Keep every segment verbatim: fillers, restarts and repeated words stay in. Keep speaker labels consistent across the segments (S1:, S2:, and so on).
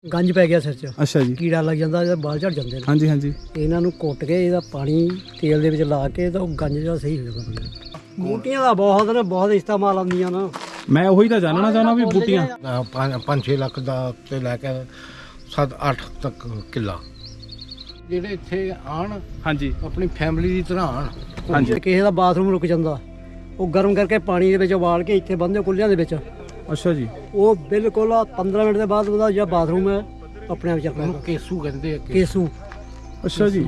S1: गंज पै गया सिर च।
S2: अच्छा जी।
S1: कीड़ा लग जाता, बाल झड़ जाते हैं।
S2: हाँ जी हाँ जी।
S1: इन्हों कुट के इहदा पानी तेल दे विच ला के तो गंज जो सही हो जाता। बूटियां दा बहुत ने बहुत इस्तेमाल आंदियां ना।
S2: मैं वही तो जानना चाहना भी बूटियां
S3: पाँच छे लख दा ते लैके सत्त अठ तक किला ਜਿਹੜੇ ਇੱਥੇ ਆਣ
S2: ਹਾਂਜੀ
S3: ਆਪਣੀ ਫੈਮਿਲੀ ਦੀ ਤਰ੍ਹਾਂ ਆਣ।
S2: ਹਾਂਜੀ।
S1: ਕਿਸੇ ਦਾ ਬਾਥਰੂਮ ਰੁਕ ਜਾਂਦਾ, ਉਹ ਗਰਮ ਕਰਕੇ ਪਾਣੀ ਦੇ ਵਿੱਚ ਉਬਾਲ ਕੇ ਇੱਥੇ ਬੰਨ੍ਹਦੇ ਕੁੱਲਿਆਂ ਦੇ ਵਿੱਚ।
S2: ਅੱਛਾ ਜੀ।
S1: ਉਹ ਬਿਲਕੁਲ ਪੰਦਰਾਂ ਮਿੰਟ ਦੇ ਬਾਅਦ ਉਹਦਾ ਜਿਹੜਾ ਬਾਥਰੂਮ ਹੈ ਆਪਣੇ ਆਪ ਚੱਲਦਾ।
S3: ਉਹਨੂੰ ਕੇਸੂ ਕਹਿੰਦੇ ਆ।
S1: ਕੇਸੂ।
S2: ਅੱਛਾ ਜੀ।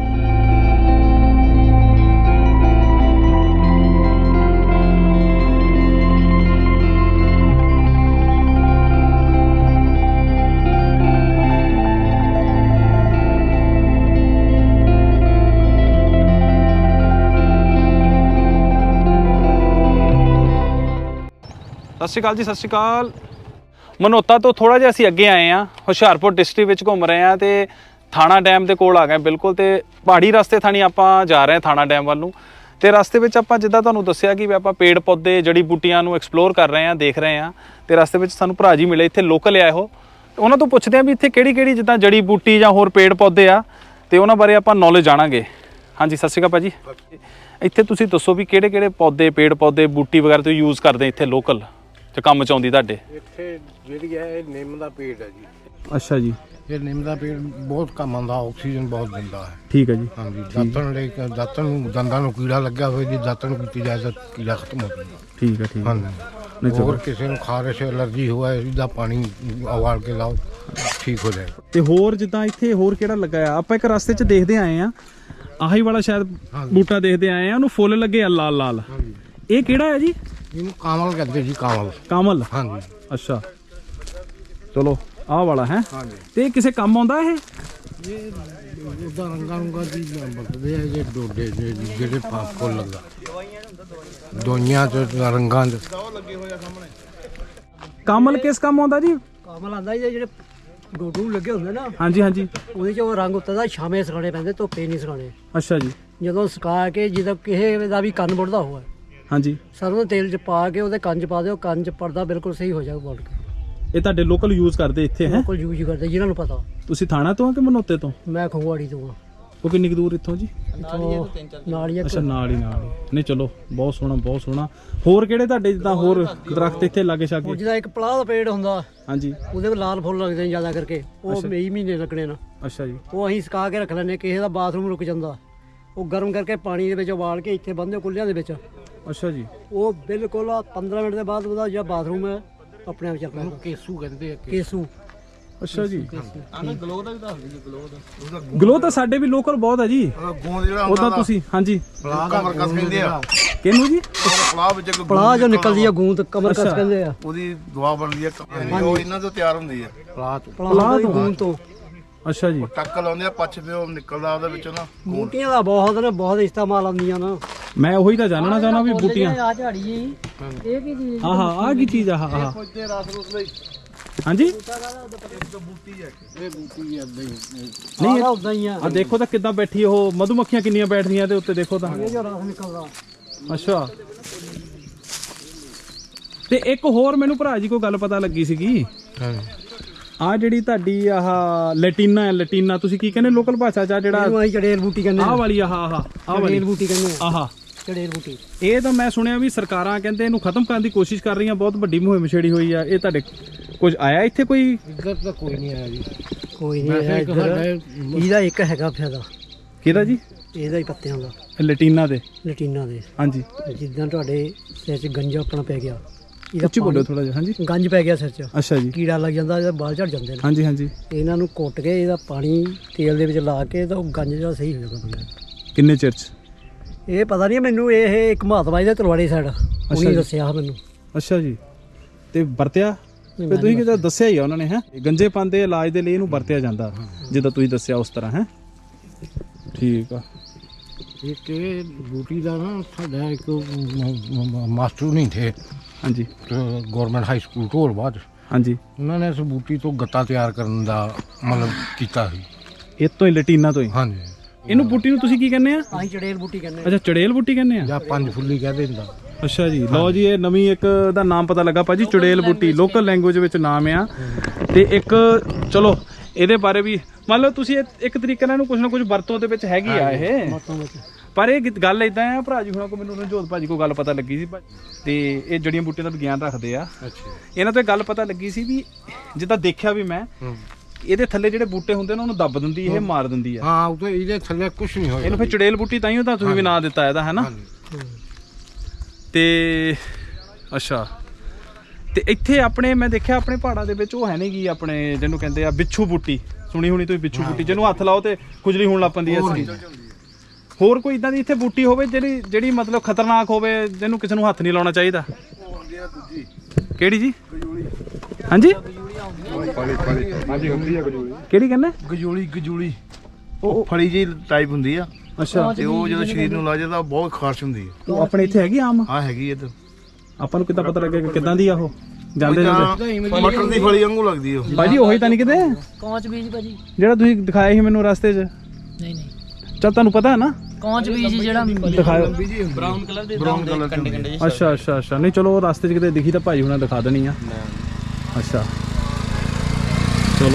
S2: ਸਤਿ ਸ਼੍ਰੀ ਅਕਾਲ ਜੀ, ਸਤਿ ਸ਼੍ਰੀ ਅਕਾਲ। ਮਨੋਤਾ ਤੋਂ ਥੋੜਾ ਜਿਹਾ ਅਸੀਂ ਅੱਗੇ ਆਏ ਆ, ਹੁਸ਼ਿਆਰਪੁਰ ਡਿਸਟ੍ਰਿਕਟ ਵਿੱਚ ਘੁੰਮ ਰਹੇ ਆ ਤੇ ਥਾਣਾ ਡੈਮ ਦੇ ਕੋਲ ਆ ਗਏ ਬਿਲਕੁਲ। ਤੇ ਪਹਾੜੀ ਰਸਤੇ ਥਾਣੀ ਆਪਾਂ ਜਾ ਰਹੇ ਆ ਥਾਣਾ ਡੈਮ ਵੱਲ ਨੂੰ। ਤੇ ਰਸਤੇ ਵਿੱਚ ਆਪਾਂ ਜਿੱਦਾਂ ਤੁਹਾਨੂੰ ਦੱਸਿਆ ਕਿ ਆਪਾਂ ਪੇੜ ਪੌਦੇ ਜੜੀ ਬੂਟੀਆਂ ਨੂੰ ਐਕਸਪਲੋਰ ਕਰ ਰਹੇ ਆ, ਦੇਖ ਰਹੇ ਆ। ਤੇ ਰਸਤੇ ਵਿੱਚ ਸਾਨੂੰ ਭਰਾ ਜੀ ਮਿਲੇ, ਇੱਥੇ ਲੋਕਲ ਆ ਉਹ। ਉਹਨਾਂ ਤੋਂ ਪੁੱਛਦੇ ਆ ਵੀ ਇੱਥੇ ਕਿਹੜੀ ਕਿਹੜੀ ਜਿੱਦਾਂ ਜੜੀ ਬੂਟੀ ਜਾਂ ਹੋਰ ਪੇੜ ਪੌਦੇ ਆ ਤੇ ਉਹਨਾਂ ਬਾਰੇ ਆਪਾਂ ਨੌਲੇਜ ਜਾਣਾਂਗੇ। ਹਾਂਜੀ, ਸਤਿ ਸ਼੍ਰੀ ਅਕਾਲ ਭਾਜੀ। ਇੱਥੇ ਤੁਸੀਂ ਦੱਸੋ ਵੀ ਕਿਹੜੇ ਕਿਹੜੇ ਪੌਦੇ ਪੇੜ ਪੌਦੇ ਬੂਟੀ ਵਗੈਰਾ ਤੁਸੀਂ ਯੂਜ਼ ਕਰਦੇ ਇੱਥੇ ਲੋਕਲ ਤੇ ਕੰਮ ਚ ਆਉਂਦੀ ਤੁਹਾਡੇ?
S3: ਇੱਥੇ ਜਿਹੜੀ ਹੈ ਇਹ ਨਿੰਮ ਦਾ ਪੇੜ ਹੈ ਜੀ।
S2: ਅੱਛਾ ਜੀ।
S3: ਇਹ ਨਿੰਮ ਦਾ ਪੇੜ ਬਹੁਤ ਕੰਮ ਆਉਂਦਾ, ਆਕਸੀਜਨ ਬਹੁਤ ਦਿੰਦਾ ਹੈ।
S2: ਠੀਕ ਹੈ ਜੀ।
S3: ਹਾਂਜੀ, ਦਾਤਣ ਲਈ ਦਾਤਣ ਨੂੰ ਦੰਦਾਂ ਨੂੰ ਕੀੜਾ ਲੱਗਿਆ ਹੋਵੇ ਜੀ, ਦਾਤਣ ਕੀਤੀ ਜਾਏ ਤਾਂ ਕੀੜਾ ਖਤਮ ਹੋ ਜਾਂਦਾ।
S2: ਠੀਕ ਹੈ ਠੀਕ ਹੈ।
S3: ਹਾਂਜੀ। ਹੋਰ ਕਿਸੇ ਨੂੰ ਖਾਰਿਸ਼ ਐਲਰਜੀ ਹੋਇਆ ਇਹਦਾ ਪਾਣੀ ਉਬਾਲ ਕੇ ਲਾਓ, ਠੀਕ ਹੋ ਜਾਏਗਾ।
S2: ਤੇ ਹੋਰ ਜਿੱਦਾਂ ਇੱਥੇ ਹੋਰ ਕਿਹੜਾ ਲੱਗਾ ਆ? ਆਪਾਂ ਇੱਕ ਰਸਤੇ 'ਚ ਦੇਖਦੇ ਆਏ ਆ, ਆਹੀ ਵਾਲਾ ਸ਼ਾਇਦ ਬੂਟਾ ਦੇਖਦੇ ਆਏ ਆ, ਉਹਨੂੰ ਫੁੱਲ ਲੱਗੇ ਆ ਲਾਲ ਲਾਲ। ਇਹ ਕਿਹੜਾ ਹੈ ਜੀ?
S3: ਇਹਨੂੰ ਕਾਮਲ ਕਹਿੰਦੇ ਜੀ, ਕਾਮਲ।
S2: ਕਾਮਲ।
S3: ਹਾਂਜੀ।
S2: ਅੱਛਾ, ਚਲੋ ਆਹ ਵਾਲਾ ਹੈ।
S3: ਹਾਂਜੀ।
S2: ਤੇ ਕਿਸੇ ਕੰਮ ਆਉਂਦਾ ਇਹ?
S3: ਇਹ ਉਹਦਾ ਰੰਗਾਂ ਰੰਗਾਂ ਦੀ ਬਰਤਦੇ ਆ ਜੇ ਡੋਡੇ ਜਿਹੜੇ ਫੁੱਲ ਲੱਗਾ ਦੋਈਆਂ ਚ ਰੰਗਾਂ ਚ
S2: ਕਾਮਲ ਕਿਸ ਕੰਮ ਆਉਂਦਾ ਜੀ?
S1: ਕਾਮਲ ਆਂਦਾ ਜੀ ਜਿਹੜੇ ਡੋਡੂ ਲੱਗੇ ਹੁੰਦੇ ਨਾ।
S2: ਹਾਂਜੀ ਹਾਂਜੀ।
S1: ਉਹਦੇ ਚ ਉਹ ਰੰਗ ਉੱਤੇ ਦਾ ਛਾਵੇਂ ਸੁਕਾਉਣੇ ਪੈਂਦੇ, ਧੁੱਪੇ ਨਹੀਂ ਸੁਕਾਉਣੇ।
S2: ਅੱਛਾ ਜੀ।
S1: ਜਦੋਂ ਸੁਕਾ ਕੇ ਜਦੋਂ ਕਿਸੇ ਦਾ ਵੀ ਕੰਨ ਮੁੜਦਾ ਹੋਇਆ,
S2: ਹਾਂਜੀ,
S1: ਸਰੋਂ ਦੇ ਤੇਲ ਚ ਪਾ ਕੇ ਉਹਦੇ ਕੰਨ ਚ ਪਾ ਦਿਓ, ਕੰਨ ਚ ਪਰਦਾ ਬਿਲਕੁਲ ਸਹੀ ਹੋ ਜਾਊਗਾ ਬੋਲ ਕੇ।
S2: ਇਹ ਤੁਹਾਡੇ ਲੋਕਲ ਯੂਜ਼ ਕਰਦੇ ਇੱਥੇ ਹੈ?
S1: ਬਿਲਕੁਲ ਯੂਜ਼ ਕਰਦੇ ਜਿਹਨਾਂ ਨੂੰ ਪਤਾ।
S2: ਤੁਸੀਂ ਥਾਣਾ ਤੋਂ ਆ ਕਿ ਮਨੋਤੇ ਤੋਂ?
S1: ਮੈਂ ਖੰਗਵਾੜੀ ਤੋਂ ਆ।
S2: ਉਹ ਕਿੰਨੀ ਕੁ ਦੂਰ ਇੱਥੋਂ ਜੀ?
S1: ਨਾਲ ਹੀ
S2: ਅੱਛਾ, ਨਾਲ ਹੀ ਨਾਲ ਹੀ। ਨਹੀਂ ਚਲੋ, ਬਹੁਤ ਸੋਹਣਾ ਬਹੁਤ ਸੋਹਣਾ। ਹੋਰ ਕਿਹੜੇ ਤੁਹਾਡੇ ਜਿੱਦਾਂ ਹੋਰ ਦਰਖਤ ਇੱਥੇ ਲਾਗੇ ਛਾਗੇ?
S1: ਜਿਹਦਾ ਇੱਕ ਪਲਾਹ ਦਾ ਪੇੜ ਹੁੰਦਾ,
S2: ਹਾਂਜੀ,
S1: ਉਹਦੇ ਵਿੱਚ ਲਾਲ ਫੁੱਲ ਲੱਗਦੇ ਨੇ ਜ਼ਿਆਦਾ ਕਰਕੇ, ਉਹ ਮਈ ਮਹੀਨੇ ਲੱਗਣੇ ਨਾ।
S2: ਅੱਛਾ ਜੀ।
S1: ਉਹ ਅਸੀਂ ਸੁਕਾ ਕੇ ਰੱਖ ਲੈਂਦੇ। ਕਿਸੇ ਦਾ ਬਾਥਰੂਮ ਰੁਕ ਜਾਂਦਾ, ਉਹ ਗਰਮ ਕਰਕੇ ਪਾਣੀ ਦੇ ਵਿੱਚ ਉਬਾਲ ਕੇ ਇੱਥੇ ਬੰਨ੍ਹਦੇ ਕੁੱਲਿਆਂ ਦੇ ਵਿੱਚ।
S2: ਅੱਛਾ ਜੀ।
S1: ਉਹ ਬਿਲਕੁਲ ਪੰਦਰਾਂ ਮਿੰਟ ਦੇ ਬਾਅਦ ਉਹਦਾ ਜਿਹੜਾ ਬਾਥਰੂਮ ਹੈ ਆਪਣੇ ਆਪ ਚੱਲਦਾ।
S3: ਉਹਨੂੰ ਕੇਸੂ ਕਹਿੰਦੇ ਆ।
S1: ਕੇਸੂ।
S2: ਅੱਛਾ ਜੀ। ਗਲੋ ਦਾ ਵੀ ਦੱਸ ਦਿਓ। ਗਲੋ ਦਾ ਗਲੋ ਤਾਂ ਸਾਡੇ ਵੀ ਲੋਕਲ ਬਹੁਤ ਹੈ ਜੀ।
S3: ਗੋਂਦ ਜਿਹੜਾ
S2: ਉਹਦਾ ਤੁਸੀਂ ਹਾਂਜੀ
S3: ਪਲਾਹ ਦਾ ਕਮਰਕਸ ਕਹਿੰਦੇ ਆ।
S2: ਕਿਹਨੂੰ ਜੀ?
S3: ਪਲਾਹ ਵਿੱਚ
S1: ਪਲਾਹ ਜੋ ਨਿਕਲਦੀ ਆ ਗੂੰਦ, ਕਮਰਕਸ ਕਹਿੰਦੇ ਆ।
S3: ਉਹਦੀ ਦਵਾ ਬਣਦੀ ਆ, ਉਹ ਇਹਨਾਂ ਤੋਂ ਤਿਆਰ ਹੁੰਦੀ ਆ। ਪਲਾਹ ਤੋਂ
S1: ਪਲਾਹ ਦੀ ਗੂੰਦ ਤੋਂ।
S2: ਅੱਛਾ ਜੀ।
S3: ਟੱਕ ਲਾਉਂਦੇ ਆ, ਪੱਛ ਤੇ ਉਹ ਨਿਕਲਦਾ ਉਹਦੇ ਵਿੱਚੋਂ ਨਾ।
S1: ਬੂਟੀਆਂ ਦਾ ਬਹੁਤ ਨੇ ਬਹੁਤ ਇਸਤੇਮਾਲ ਆਉਂਦੀਆਂ ਨਾ।
S2: ਮੈਂ ਉਹੀ ਤਾਂ ਜਾਣਨਾ ਚਾਹਨਾ ਵੀ ਬੂਟੀਆਂ।
S1: ਆ ਝਾੜੀ ਜੀ, ਇਹ ਕੀ ਚੀਜ਼?
S2: ਆਹ ਆਹ ਕੀ ਚੀਜ਼ ਆ? ਆਹ ਆਹ
S3: ਫੌਜੇ ਰਸ ਰੁਸ ਲਈ
S2: ਹਾਂਜੀ।
S3: ਬੂਟੀ ਹੈ ਇਹ ਬੂਟੀ ਏਦਾਂ ਹੀ।
S2: ਨਹੀਂ,
S1: ਉਦਾਂ ਹੀ ਆ।
S2: ਆ ਦੇਖੋ ਤਾਂ ਕਿੱਦਾਂ ਬੈਠੀ ਉਹ ਮਧੂ ਮੱਖੀਆਂ ਕਿੰਨੀਆਂ ਬੈਠਦੀਆਂ ਤੇ ਉੱਤੇ ਦੇਖੋ ਤਾਂ।
S1: ਇਹ ਜੋ ਰਸ ਨਿਕਲਦਾ।
S2: ਅੱਛਾ। ਤੇ ਇੱਕ ਹੋਰ ਮੈਨੂੰ ਭਰਾ ਜੀ ਕੋਈ ਗੱਲ ਪਤਾ ਲੱਗੀ ਸੀਗੀ।
S3: ਹਾਂ।
S2: ਆ ਜਿਹੜੀ ਤੁਹਾਡੀ ਆਹ ਲੈਟੀਨਾ ਹੈ, ਲੈਟੀਨਾ ਤੁਸੀਂ ਕੀ ਕਹਿੰਦੇ ਲੋਕਲ ਭਾਸ਼ਾ ਚ? ਆ ਜਿਹੜਾ
S1: ਇਹਨੂੰ ਅਸੀਂ ਚੜੇਲ ਬੂਟੀ ਕਹਿੰਦੇ
S2: ਆਹ ਵਾਲੀ ਆਹ ਆਹ ਆਹ ਵਾਲੀ
S1: ਚੜੇਲ ਬੂਟੀ ਕਹਿੰਦੇ ਆ।
S2: ਆਹ
S1: ਚੜੇਲ ਬੂਟੀ।
S2: ਇਹ ਤਾਂ ਮੈਂ ਸੁਣਿਆ ਵੀ ਸਰਕਾਰਾਂ ਕਹਿੰਦੇ ਇਹਨੂੰ ਖਤਮ ਕਰਨ ਦੀ ਕੋਸ਼ਿਸ਼ ਕਰ ਰਹੀਆਂ, ਬਹੁਤ ਵੱਡੀ ਮੁਹਿੰਮ ਛੇੜੀ ਹੋਈ ਆ। ਇਹ ਤੁਹਾਡੇ ਕੁਝ ਆਇਆ ਇੱਥੇ ਕੋਈ?
S3: ਇੱਧਰ ਤਾਂ ਕੋਈ ਨਹੀਂ ਆਇਆ ਜੀ।
S1: ਕੋਈ ਨਹੀਂ ਆਇਆ ਇੱਧਰ। ਇਹਦਾ ਇੱਕ ਹੈਗਾ ਫਾਇਦਾ।
S2: ਕਿਹਦਾ ਜੀ?
S1: ਇਹਦਾ ਹੀ ਪੱਤਿਆਂ ਦਾ,
S2: ਲੈਟੀਨਾ ਦੇ।
S1: ਲੈਟੀਨਾ ਦੇ।
S2: ਹਾਂਜੀ।
S1: ਜਿੱਦਾਂ ਤੁਹਾਡੇ ਸਿਰ 'ਚ ਗੰਜਾ ਆਪਣਾ ਪੈ ਗਿਆ, ਇਹਦਾ
S2: ਉੱਚੀ ਬੋਲੋ ਥੋੜਾ ਜਿਹਾ। ਹਾਂਜੀ।
S1: ਗੰਜ ਪੈ ਗਿਆ ਸਿਰ 'ਚ,
S2: ਅੱਛਾ ਜੀ।
S1: ਕੀੜਾ ਲੱਗ ਜਾਂਦਾ, ਇਹਦਾ ਬਾਲ ਝੜ ਜਾਂਦੇ ਨੇ।
S2: ਹਾਂਜੀ ਹਾਂਜੀ।
S1: ਇਹਨਾਂ ਨੂੰ ਕੁੱਟ ਕੇ ਇਹਦਾ ਪਾਣੀ ਤੇਲ ਦੇ ਵਿੱਚ ਲਾ ਕੇ ਤਾਂ ਉਹ ਗੰਜ ਜਿਹੜਾ ਸਹੀ ਹੋ ਜਾਂਦਾ ਬੰਦਾ।
S2: ਕਿੰਨੇ ਚਿਰ ਚ?
S1: ਇਹ ਪਤਾ ਨਹੀਂ ਮੈਨੂੰ, ਇਹ ਇੱਕ ਮਹਾਤਮਾ ਜੀ ਦੇ ਤਲਵਾੜੀ ਸਾਈਡ ਉਹਨੇ ਦੱਸਿਆ ਮੈਨੂੰ।
S2: ਅੱਛਾ ਜੀ। ਤੇ ਵਰਤਿਆ ਤੇ ਤੁਸੀਂ ਕਿਹਾ ਦੱਸਿਆ ਹੀ ਆ ਉਹਨਾਂ ਨੇ ਹੈ ਗੰਜੇਪਨ ਦੇ ਇਲਾਜ ਦੇ ਲਈ ਇਹਨੂੰ ਵਰਤਿਆ ਜਾਂਦਾ, ਜਿੱਦਾਂ ਤੁਸੀਂ ਦੱਸਿਆ ਉਸ ਤਰ੍ਹਾਂ ਹੈ। ਠੀਕ ਆ।
S3: ਇੱਕ ਇਹ ਬੂਟੀ ਦਾ ਨਾ ਸਾਡਾ ਇੱਕ ਮਾਸਟਰ ਨਹੀਂ ਥੇ। ਹਾਂਜੀ। ਗਵਰਨਮੈਂਟ ਹਾਈ ਸਕੂਲ ਢੋਲ ਬਾਅਦ। ਹਾਂਜੀ। ਉਹਨਾਂ ਨੇ ਇਸ ਬੂਟੀ ਤੋਂ ਗੱਤਾ ਤਿਆਰ ਕਰਨ ਦਾ ਮਤਲਬ ਕੀਤਾ ਸੀ।
S2: ਇਹ ਤੋਂ ਹੀ ਲੈਟੀਨਾ ਤੋਂ ਹੀ? ਹਾਂਜੀ। ਇਹਨੂੰ ਬੂਟੀ ਨੂੰ ਤੁਸੀਂ ਕੀ ਕਹਿੰਦੇ ਆ?
S1: ਅਸੀਂ ਚੜੇਲ ਬੂਟੀ ਕਹਿੰਦੇ ਆ।
S2: ਅੱਛਾ, ਚੜੇਲ ਬੂਟੀ ਕਹਿੰਦੇ ਆ ਜਾਂ
S3: ਪੰਜ ਫੁੱਲੀ ਕਹਿੰਦੇ ਹੁੰਦਾ।
S2: ਅੱਛਾ ਜੀ। ਲਓ ਜੀ, ਇਹ ਨਵੀਂ ਇੱਕ ਦਾ ਨਾਮ ਪਤਾ ਲੱਗਾ ਭਾਜੀ, ਚੜੇਲ ਬੂਟੀ। ਲੋਕਲ ਲੈਂਗੁਏਜ ਵਿੱਚ ਨਾਮ ਆ। ਤੇ ਇੱਕ ਚਲੋ ਇਹਦੇ ਬਾਰੇ ਵੀ ਮੰਨ ਲਓ ਤੁਸੀਂ ਇਹ- ਇੱਕ ਤਰੀਕੇ ਨਾਲ ਇਹਨੂੰ ਕੁਝ ਨਾ ਕੁਝ ਵਰਤੋਂ ਦੇ ਵਿੱਚ ਹੈਗੀ ਆ ਇਹ, ਪਰ ਇਹ ਗ- ਗੱਲ ਇਦਾਂ ਆ ਭਰਾ ਜੀ ਹੁਣਾਂ ਕੋ ਮੈਨੂੰ ਰਣਜੋਤ ਭਾਜੀ ਕੋ ਗੱਲ ਪਤਾ ਲੱਗੀ ਸੀ ਭਾ- ਤੇ ਇਹ ਜੜੀਆਂ ਬੂਟੀਆਂ ਦਾ ਵਿਗਿਆਨ ਰੱਖਦੇ ਆ। ਇਹਨਾਂ ਤੋਂ ਇਹ ਗੱਲ ਪਤਾ ਲੱਗੀ ਸੀ ਵੀ ਜਿੱਦਾਂ ਦੇਖਿਆ ਵੀ ਮੈਂ ਇਹਦੇ ਥੱਲੇ ਜਿਹੜੇ ਬੂਟੇ ਹੁੰਦੇ ਨੇ ਉਹਨੂੰ ਦੱਬ ਦਿੰਦੀ ਇਹ, ਮਾਰ ਦਿੰਦੀ ਆ।
S3: ਹਾਂ ਉਹ ਤਾਂ ਇਹਦੇ ਥੱਲੇ ਕੁਝ ਨਹੀਂ ਹੋਇਆ।
S2: ਇਹਨੂੰ ਫਿਰ ਚੁੜੇਲ ਬੂਟੀ ਤਾਂ ਹੀ ਤਾਂ ਤੁਸੀਂ ਵੀ ਨਾਂ ਦਿੱਤਾ ਇਹਦਾ, ਹੈ ਨਾ। ਤੇ ਅੱਛਾ, ਤੇ ਇੱਥੇ ਆਪਣੇ ਮੈਂ ਦੇਖਿਆ ਆਪਣੇ ਪਹਾੜਾਂ ਦੇ ਵਿੱਚ ਉਹ ਹੈ ਨਹੀਂ ਗੀ ਆਪਣੇ ਜਿਹਨੂੰ ਕਹਿੰਦੇ ਆ ਬਿੱਛੂ ਬੂਟੀ, ਸੁਣੀ ਹੋਣੀ ਤੁਸੀਂ ਬਿੱਛੂ ਬੂਟੀ, ਜਿਹਨੂੰ ਹੱਥ ਲਾਓ ਤੇ ਖੁਜਲੀ ਹੋਣ ਲੱਗ ਪੈਂਦੀ ਹੈ ਇਸ ਹੋਰ ਕੋਈ ਇਦਾਂ ਦੀ ਇੱਥੇ ਬੂਟੀ ਹੋਵੇ ਜਿਹੜੀ ਜਿਹੜੀ ਮਤਲਬ ਖਤਰਨਾਕ ਹੋਵੇ, ਜਿਹਨੂੰ ਕਿਸੇ ਨੂੰ ਹੱਥ ਨਹੀਂ ਲਾਉਣਾ ਚਾਹੀਦਾ? ਕਿਹੜੀ ਜੀ? ਹਾਂਜੀ ਕਿਹੜੀ ਕਹਿੰਦੇ?
S4: ਗਜੂਲੀ ਗਜੂਲੀ ਉਹ ਫੜੀ ਜੀ ਟਾਈਪ ਹੁੰਦੀ ਆ।
S2: ਅੱਛਾ,
S4: ਤੇ ਉਹ ਜਦੋਂ ਸਰੀਰ ਨੂੰ ਲਾ ਜਾਂਦਾ ਬਹੁਤ ਖਾਰਸ਼ ਹੁੰਦੀ ਹੈ।
S2: ਉਹ ਆਪਣੇ ਇੱਥੇ ਹੈਗੀ ਆਮ?
S4: ਹਾਂ ਹੈਗੀ ਇੱਧਰ।
S2: ਆਪਾਂ ਨੂੰ ਕਿੱਦਾਂ ਪਤਾ ਲੱਗੇਗਾ ਕਿੱਦਾਂ ਦੀ ਆ ਉਹ? ਜਾਂਦੇ ਜਾਂਦੇ
S4: ਮਟਰ ਦੀ ਫਲੀ ਵਾਂਗੂ ਲੱਗਦੀ ਉਹ।
S2: ਭਾਜੀ ਉਹੀ ਤਾਂ ਨਹੀਂ ਕਿਤੇ
S5: ਕੌਂਚ ਬੀਜ ਭਾਜੀ?
S2: ਜਿਹੜਾ ਤੁਸੀਂ ਦਿਖਾਇਆ ਸੀ ਮੈਨੂੰ ਰਸਤੇ 'ਚ?
S5: ਨਹੀਂ ਨਹੀਂ,
S2: ਚੱਲ ਤੁਹਾਨੂੰ ਪਤਾ ਹੈ ਨਾ
S5: ਕੌਂਚ ਬੀਜ ਜਿਹੜਾ
S2: ਦਿਖਾਇਓ।
S5: ਬਰਾਊਨ ਕਲਰ ਦੇ
S4: ਬਰਾਊਨ ਕਲਰ ਕੰਡੇ ਕੰਡੇ।
S2: ਅੱਛਾ ਅੱਛਾ ਅੱਛਾ, ਨਹੀਂ ਚਲੋ ਰਸਤੇ 'ਚ ਕਿਤੇ ਦਿਖੀ ਤਾਂ ਭਾਜੀ ਹੁਣਾਂ ਦਿਖਾ ਦੇਣੀ ਆ। ਅੱਛਾ ਚਲੋ,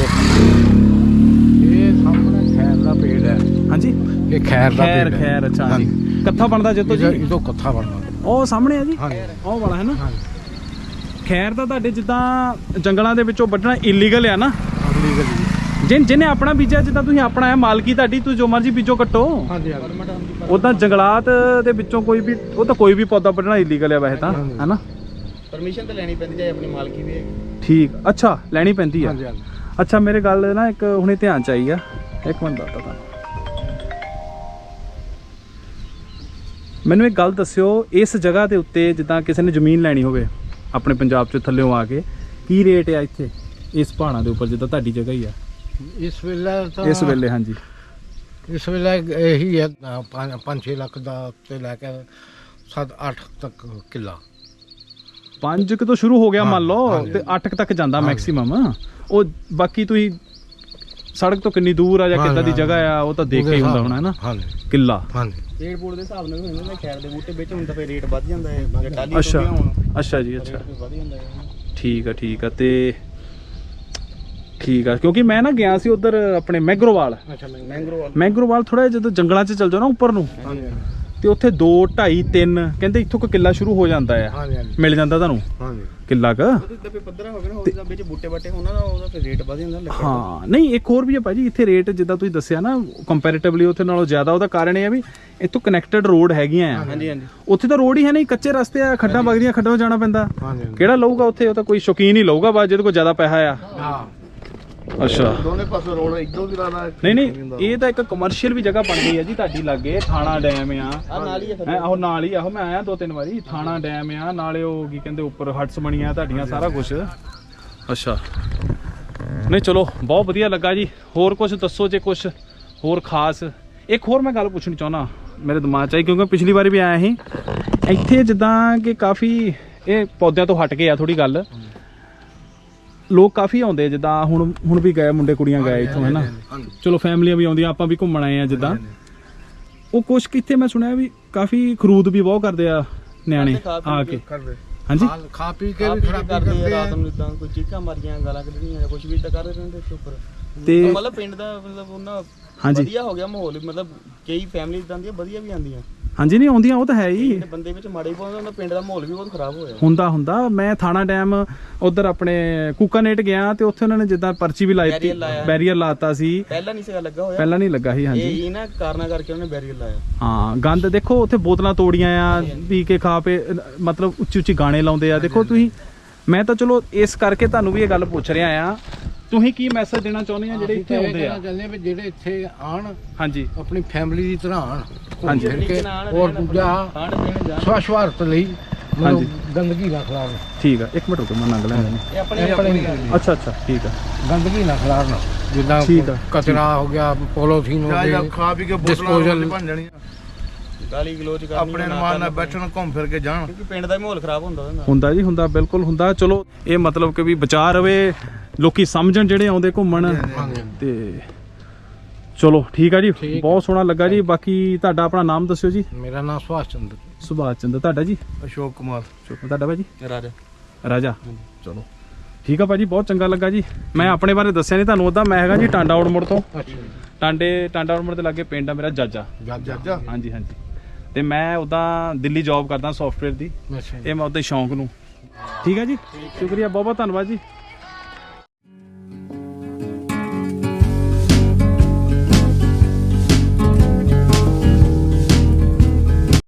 S3: ਇਹ ਸਾਹਮਣੇ ਖੈਰ ਦਾ ਪੇੜ ਹੈ।
S2: ਹਾਂਜੀ
S3: ਇਹ ਖੈਰ ਦਾ
S2: ਖੈਰ
S3: ਪੇੜ ਹੈ।
S2: ਖੈਰ ਅੱਛਾ ਹਾਂਜੀ। ਕੱਥਾ ਬਣਦਾ ਜਿੱਤੋਂ ਜੀ?
S3: ਇਹ ਤੋਂ ਕੱਥਾ ਬਣਦਾ
S2: ਉਹ ਸਾਹਮਣੇ ਆ ਜੀ,
S3: ਹਾਂਜੀ
S2: ਉਹ ਵਾਲਾ ਹੈ ਨਾ। ਖੈਰ ਦਾ ਤੁਹਾਡੇ ਜਿੱਦਾਂ ਜੰਗਲਾਂ ਦੇ ਵਿੱਚੋਂ ਵੱਢਣਾ ਇਲੀਗਲ ਆ ਨਾ? ਜਿਨ ਜਿਹਨੇ ਆਪਣਾ ਬੀਜਿਆ, ਜਿੱਦਾਂ ਤੁਸੀਂ ਆਪਣਾ ਹੈ ਮਾਲਕੀ ਤੁਹਾਡੀ, ਤੁਸੀਂ ਜੋ ਮਰਜ਼ੀ ਬੀਜੋ ਕੱਟੋ।
S3: ਹਾਂਜੀ
S2: ਉਦਾਂ ਜੰਗਲਾਤ ਦੇ ਵਿੱਚੋਂ ਕੋਈ ਵੀ ਉਹ ਤਾਂ ਕੋਈ ਵੀ ਪੌਦਾ ਵੱਢਣਾ ਇਲੀਗਲ ਆ ਵੈਸੇ ਤਾਂ, ਹੈ ਨਾ।
S4: ਪਰਮਿਸ਼ਨ ਤਾਂ ਲੈਣੀ ਪੈਂਦੀ ਹੈ, ਆਪਣੀ ਮਾਲਕੀ ਵੀ ਹੈਗੀ।
S2: ਠੀਕ, ਅੱਛਾ ਲੈਣੀ ਪੈਂਦੀ ਆ।
S3: ਹਾਂਜੀ ਹਾਂਜੀ
S2: ਅੱਛਾ ਮੇਰੇ ਗੱਲ ਨਾ ਇੱਕ ਹੁਣੇ ਧਿਆਨ ਚ ਆਈ ਆ, ਇੱਕ ਮਿੰਟ ਦੱਸਦਾ ਤੁਹਾਨੂੰ। ਮੈਨੂੰ ਇੱਕ ਗੱਲ ਦੱਸਿਓ, ਇਸ ਜਗ੍ਹਾ ਦੇ ਉੱਤੇ ਜਿੱਦਾਂ ਕਿਸੇ ਨੇ ਜ਼ਮੀਨ ਲੈਣੀ ਹੋਵੇ ਆਪਣੇ ਪੰਜਾਬ ਚ ਥੱਲਿਓਂ ਆ ਕੇ, ਕੀ ਰੇਟ ਆ ਇੱਥੇ ਇਸ ਪਹਾੜਾਂ ਦੇ ਉੱਪਰ ਜਿੱਦਾਂ ਤੁਹਾਡੀ ਜਗ੍ਹਾ ਹੀ ਆ
S3: ਇਸ ਵੇਲੇ ਤਾਂ
S2: ਇਸ ਵੇਲੇ? ਹਾਂਜੀ
S3: ਇਸ ਵੇਲੇ ਇਹੀ ਹੈ ਪੰਜ ਛੇ ਲੱਖ ਦਾ ਤੇ ਲੈ ਕੇ ਸੱਤ ਅੱਠ ਤੱਕ ਕਿੱਲਾ।
S2: ਪੰਜ ਕੁ ਤੋਂ ਸ਼ੁਰੂ ਹੋ ਗਿਆ ਮੰਨ ਲਓ,
S3: ਹਾਂਜੀ,
S2: ਤੇ ਅੱਠ ਕੁ ਤੱਕ ਜਾਂਦਾ ਮੈਕਸਿਮਮ। ਉਹ ਬਾਕੀ ਤੁਸੀਂ ਸੜਕ ਤੋਂ ਕਿੰਨੀ ਦੂਰ ਆ ਜਾਂ ਕਿੱਦਾਂ ਦੀ ਜਗ੍ਹਾ ਆ ਉਹ ਤਾਂ ਦੇਖ ਕੇ ਹੀ ਹੁੰਦਾ ਹੋਣਾ, ਹੈ ਨਾ।
S3: ਹਾਂਜੀ
S2: ਕਿੱਲਾ
S3: ਹਾਂਜੀ
S4: ਰੇਟ ਬੋਰਡ ਦੇ ਹਿਸਾਬ ਨਾਲ ਹੁੰਦੇ ਨੇ, ਖੈਰ ਦੇ ਬੂਟੇ ਵਿੱਚ ਹੁੰਦਾ ਫਿਰ ਰੇਟ ਵੱਧ ਜਾਂਦਾ ਹੈ, ਜੇ ਟਾਲੀ
S2: ਅੱਛਾ
S4: ਤੋਂ ਹੋਣ
S2: ਅੱਛਾ ਜੀ ਅੱਛਾ,
S4: ਵੱਧ ਜਾਂਦਾ ਹੈ।
S2: ਠੀਕ ਆ ਠੀਕ ਆ। ਤੇ ਠੀਕ ਆ, ਕਿਉਂਕਿ ਮੈਂ ਨਾ ਗਿਆ ਸੀ ਉਧਰ ਆਪਣੇ ਮੈਗਰੋਵਾਲ।
S3: ਅੱਛਾ
S4: ਮੈਂਗਰੋ
S2: ਮੈਗਰੋਵਾਲ ਥੋੜਾ ਜਦੋਂ ਜੰਗਲਾਂ 'ਚ ਚਲ ਜਾਓ ਨਾ ਉੱਪਰ ਨੂੰ, ਤੇ ਉੱਥੇ ਦੋ ਢਾਈ ਤਿੰਨ ਕਹਿੰਦੇ ਇੱਥੋਂ ਕੋ ਕਿੱਲਾ ਸ਼ੁਰੂ ਹੋ ਜਾਂਦਾ ਆ,
S3: ਹਾਂਜੀ ਹਾਂਜੀ
S2: ਮਿਲ ਜਾਂਦਾ ਤੁਹਾਨੂੰ
S3: ਹਾਂਜੀ
S2: ਕਿੱਲਾ ਕ।
S4: ਉਹਦੇ ਦੱਬੇ ਪੱਧਰਾ ਹੋ ਗਿਆ ਨਾ, ਉਹਦੇ ਵਿੱਚ ਬੂਟੇ ਬਾਟੇ ਹੋਣਾ ਨਾ, ਉਹਦਾ ਫਿਰ ਰੇਟ ਵੱਧ ਜਾਂਦਾ ਲੱਕੜ ਦਾ।
S2: ਹਾਂ ਨਹੀਂ ਇੱਕ ਹੋਰ ਵੀ ਆ ਭਾਜੀ ਇੱਥੇ ਰੇਟ ਜਿੱਦਾਂ ਤੁਸੀਂ ਦੱਸਿਆ ਨਾ ਕੰਪੈਰੀਟਿਵਲੀ ਉੱਥੇ ਨਾਲੋਂ ਜ਼ਿਆਦਾ। ਉਹਦਾ ਕਾਰਨ ਇਹ ਆ ਵੀ ਇੱਥੋਂ ਕਨੈਕਟਡ ਰੋਡ ਹੈਗੀਆਂ ਆ,
S4: ਹਾਂਜੀ ਹਾਂਜੀ।
S2: ਉੱਥੇ ਤਾਂ ਰੋਡ ਹੀ ਹੈ ਨਹੀਂ, ਕੱਚੇ ਰਸਤੇ ਆ, ਖੱਡਾਂ ਵਗਦੀਆਂ, ਖੱਡਾਂ ਜਾਣਾ ਪੈਂਦਾ।
S3: ਹਾਂਜੀ
S2: ਕਿਹੜਾ ਲਊਗਾ ਉੱਥੇ? ਉਹ ਤਾਂ ਕੋਈ ਸ਼ੌਕੀਨ ਹੀ ਲਊਗਾ ਬਸ ਜਿਹਦੇ ਕੋਲ ਜ਼ਿਆਦਾ ਪੈਸਾ ਆ।
S3: ਹਾਂ
S2: ਅੱਛਾ
S4: ਦੋਨੇ ਪਾਸੇ ਰੋਡ ਇੱਧਰੋਂ ਵੀ ਲਾਣਾ।
S2: ਨਹੀਂ ਨਹੀਂ, ਇਹ ਤਾਂ ਇੱਕ ਕਮਰਸ਼ੀਅਲ ਵੀ ਜਗ੍ਹਾ ਬਣ ਗਈ ਹੈ ਜੀ ਤੁਹਾਡੀ ਲਾਗੇ। ਥਾਣਾ ਡੈਮ ਆ,
S4: ਆ ਨਾਲ ਹੀ ਹੈ ਫਿਰ।
S2: ਹੈ ਆਹੋ ਨਾਲ ਹੀ ਆਹੋ, ਮੈਂ ਆਇਆ ਦੋ ਤਿੰਨ ਵਾਰੀ। ਥਾਣਾ ਡੈਮ ਆ ਨਾਲੇ, ਉਹ ਕੀ ਕਹਿੰਦੇ ਉੱਪਰ ਹਟਸ ਬਣੀਆਂ ਤੁਹਾਡੀਆਂ, ਸਾਰਾ ਕੁਝ। ਅੱਛਾ ਨਹੀਂ ਚਲੋ ਬਹੁਤ ਵਧੀਆ ਲੱਗਾ ਜੀ। ਹੋਰ ਕੁਝ ਦੱਸੋ ਜੇ ਕੁਝ ਹੋਰ ਖਾਸ। ਇੱਕ ਹੋਰ ਮੈਂ ਗੱਲ ਪੁੱਛਣੀ ਚਾਹੁੰਦਾ, ਮੇਰੇ ਦਿਮਾਗ 'ਚ ਆਈ ਕਿਉਂਕਿ ਪਿਛਲੀ ਵਾਰੀ ਵੀ ਆਇਆ ਸੀ ਇੱਥੇ, ਜਿੱਦਾਂ ਕਿ ਕਾਫੀ ਇਹ ਪੌਦਿਆਂ ਤੋਂ ਹਟ ਕੇ ਆ ਥੋੜੀ ਗੱਲ, ਲੋਕ ਕਾਫੀ ਆਉਂਦੇ ਜਿੱਦਾਂ ਹੁਣ ਹੁਣ ਵੀ ਗਏ ਮੁੰਡੇ ਕੁੜੀਆਂ ਗਏ ਇੱਥੋਂ, ਹੈ ਨਾ। ਚਲੋ ਫੈਮਲੀਆਂ ਵੀ ਆਉਂਦੀਆਂ, ਆਪਾਂ ਵੀ ਘੁੰਮਣ ਆਏ ਆ ਜਿੱਦਾਂ। ਉਹ ਕੁਛ ਕਿੱਥੇ ਮੈਂ ਸੁਣਿਆ ਵੀ ਕਾਫੀ ਖਰੂਦ ਵੀ ਬਹੁਤ ਕਰਦੇ ਆ ਨਿਆਣੇ ਆ ਕੇ। ਹਾਂਜੀ
S3: ਖਾ- ਖਾ ਪੀ ਕੇ
S4: ਆਪ
S3: ਵੀ
S4: ਹੀ
S3: ਖਰਾਬੀ
S4: ਕਰਦੇ
S3: ਕਰਦੇ
S4: ਆ
S3: ਆ।
S4: ਰਾਤ ਨੂੰ, ਇਦਾਂ ਕੋਈ ਚੀਕਾਂ ਮਾਰੀਆਂ, ਗਾਲਾਂ ਕੱਢਣੀਆਂ ਜਾਂ ਕੁਝ ਵੀ ਤਾਂ ਕਰਦੇ ਰਹਿੰਦੇ ਇੱਥੇ ਉੱਪਰ।
S2: ਤੇ
S4: ਮਤਲਬ ਪਿੰਡ ਦਾ ਮਤਲਬ ਉਹਨਾਂ
S2: ਹਾਂਜੀ
S4: ਵਧੀਆ ਹੋ ਗਿਆ ਮਾਹੌਲ, ਮਤਲਬ ਕਈ ਫੈਮਿਲੀ ਇਦਾਂ ਦੀਆਂ ਵਧੀਆ ਵੀ ਆਉਂਦੀਆਂ।
S2: ਹਾਂਜੀ ਨਹੀਂ ਆਉਂਦੀਆਂ ਉਹ ਤਾਂ ਹੈ ਹੀ,
S4: ਜਿਹੜੇ ਬੰਦੇ ਵਿੱਚ ਮਾੜੇ ਪਾਉਂਦੇ ਉਹਨਾਂ ਪਿੰਡ ਦਾ ਮਾਹੌਲ ਵੀ ਬਹੁਤ ਖਰਾਬ ਹੋਇਆ।
S2: ਹੁੰਦਾ ਹੁੰਦਾ। ਮੈਂ ਥਾਣਾ ਡੈਮ ਉਧਰ ਆਪਣੇ ਕੂਕਾਨੇਟ ਗਿਆ ਤੇ ਉੱਥੇ ਉਹਨਾਂ ਨੇ ਜਿੱਦਾਂ ਪਰਚੀ ਵੀ ਲਾਈ ਤੀ,
S4: Barrier ਲਾਇਆ।
S2: ਬੈਰੀਅਰ ਲਾਤਾ ਸੀ।
S4: ਪਹਿਲਾਂ ਨਹੀਂ ਸੀਗਾ ਲੱਗਾ ਹੋਇਆ,
S2: ਪਹਿਲਾਂ ਨਹੀਂ ਲੱਗਾ ਸੀ।
S4: ਇਹ
S2: ਹਾਂਜੀ
S4: ਇਹ ਨਾ ਕਾਰਨਾਂ ਕਰਕੇ ਉਹਨੇ ਬੈਰੀਅਰ ਲਾਇਆ।
S2: ਹਾਂ ਗੰਦ ਦੇਖੋ ਉੱਥੇ, ਬੋਤਲਾਂ ਤੋੜੀਆਂ ਆ, ਪੀ ਕੇ ਖਾ ਪੇ, ਮਤਲਬ ਉੱਚੀ ਉੱਚੀ ਗਾਣੇ ਲਾਉਂਦੇ ਆ। ਦੇਖੋ ਤੁਸੀਂ, ਮੈਂ ਤਾਂ ਚਲੋ ਇਸ ਕਰਕੇ ਤੁਹਾਨੂੰ ਵੀ ਇਹ ਗੱਲ ਪੁੱਛ ਰਿਹਾ ਆ, ਤੁਸੀਂ ਕੀ ਮੈਸੇਜ ਦੇਣਾ ਚਾਹੁੰਦੇ ਆ ਜਿਹੜੇ ਇੱਥੇ ਆਉਂਦੇ ਆ?
S3: ਚਾਹੁੰਦੇ ਆ ਵੀ ਜਿਹੜੇ ਇੱਥੇ ਆਣ
S2: ਹਾਂਜੀ
S3: ਆਪਣੀ ਫੈਮਿਲੀ ਦੀ ਤਰ੍ਹਾਂ ਆਣ,
S2: ਹਾਂਜੀ।
S3: ਘੁੰਮ ਫਿਰ ਕੇ, ਔਰ ਦੂਜਾ
S4: ਖਾਣ ਪੀਣ ਜਾਣ,
S3: ਸਵੱਛ ਭਾਰਤ ਲਈ
S2: ਹਾਂਜੀ।
S3: ਮਤਲਬ ਗੰਦਗੀ ਨਾ ਖਿਲਾਰਨ।
S2: ਠੀਕ ਆ, ਇੱਕ ਮਿੰਟ ਰੁਕੋ ਮੈਂ ਨੰਗ ਲੈਂਦਾ।
S4: ਇਹ ਆਪਣੇ
S3: ਇਹ ਆਪਣੇ
S2: ਅੱਛਾ ਅੱਛਾ ਠੀਕ ਆ
S3: ਗੰਦਗੀ ਨਾ ਖਿਲਾਰਨ, ਜਿੱਦਾਂ
S2: ਠੀਕ ਆ,
S3: ਕਚਰਾ ਹੋ ਗਿਆ, ਪੋਲੋਥੀਨ ਹੋ
S4: ਜਾਂ
S3: ਗਈ,
S4: ਖਾ ਪੀ ਕੇ
S3: Disposal-
S4: ਬੋਤਲਾਂ ਬਣ ਜਾਣੀਆਂ, ਗਾਲੀ ਗਲੋਚ ਕਰਨੀ,
S6: ਆਪਣੇ ਅਨੁਮਾਨ ਨਾਲ ਬੈਠਣ, ਘੁੰਮ ਫਿਰ ਕੇ ਜਾਣ।
S4: ਕਿਉਂਕਿ ਪਿੰਡ ਦਾ ਹੀ ਮਾਹੌਲ ਖਰਾਬ ਹੁੰਦਾ ਉਹਦੇ ਨਾਲ।
S2: ਹੁੰਦਾ ਜੀ ਹੁੰਦਾ, ਬਿਲਕੁਲ ਹੁੰਦਾ। ਚਲੋ ਇਹ ਮਤਲਬ ਕਿ ਵੀ ਬਚਾ ਰਵੇ, ਲੋਕੀ ਸਮਝਣ ਜਿਹੜੇ ਆਉਂਦੇ ਘੁੰਮਣ। ਤੇ ਚਲੋ ਠੀਕ ਆ ਜੀ, ਬਹੁਤ ਸੋਹਣਾ ਲੱਗਾ ਜੀ। ਬਾਕੀ ਤੁਹਾਡਾ ਆਪਣਾ ਨਾਮ ਦੱਸਿਓ ਜੀ।
S3: ਮੇਰਾ ਨਾਮ ਸੁਭਾਸ਼ ਚੰਦਰ।
S2: ਸੁਭਾਸ਼ ਚੰਦਰ। ਤੁਹਾਡਾ ਜੀ?
S6: ਅਸ਼ੋਕ ਕੁਮਾਰ।
S2: ਤੁਹਾਡਾ ਭਾਜੀ?
S4: ਰਾਜਾ।
S2: ਰਾਜਾ। ਚਲੋ ਠੀਕ ਆ ਭਾਜੀ, ਬਹੁਤ ਚੰਗਾ ਲੱਗਾ ਜੀ। ਮੈਂ ਆਪਣੇ ਬਾਰੇ ਦੱਸਿਆ ਨਹੀਂ ਤੁਹਾਨੂੰ, ਉੱਦਾਂ ਮੈਂ ਹੈਗਾ ਜੀ ਟਾਂਡਾ ਔੜਮੁੜ ਤੋਂ। ਟਾਂਡੇ ਟਾਂਡਾ ਔੜਮੁੜ ਦੇ ਲਾਗੇ ਪਿੰਡ ਆ ਮੇਰਾ ਜਾਜਾ।
S3: ਜਾਜਾ
S2: ਹਾਂਜੀ ਹਾਂਜੀ। ਤੇ ਮੈਂ ਉੱਦਾਂ ਦਿੱਲੀ ਜੌਬ ਕਰਦਾ ਸੌਫਟਵੇਅਰ ਦੀ।
S3: ਅੱਛਾ
S2: ਇਹ ਮੈਂ ਉੱਦਾਂ ਸ਼ੌਂਕ ਨੂੰ। ਠੀਕ ਹੈ ਜੀ, ਸ਼ੁਕਰੀਆ, ਬਹੁਤ ਬਹੁਤ ਧੰਨਵਾਦ ਜੀ।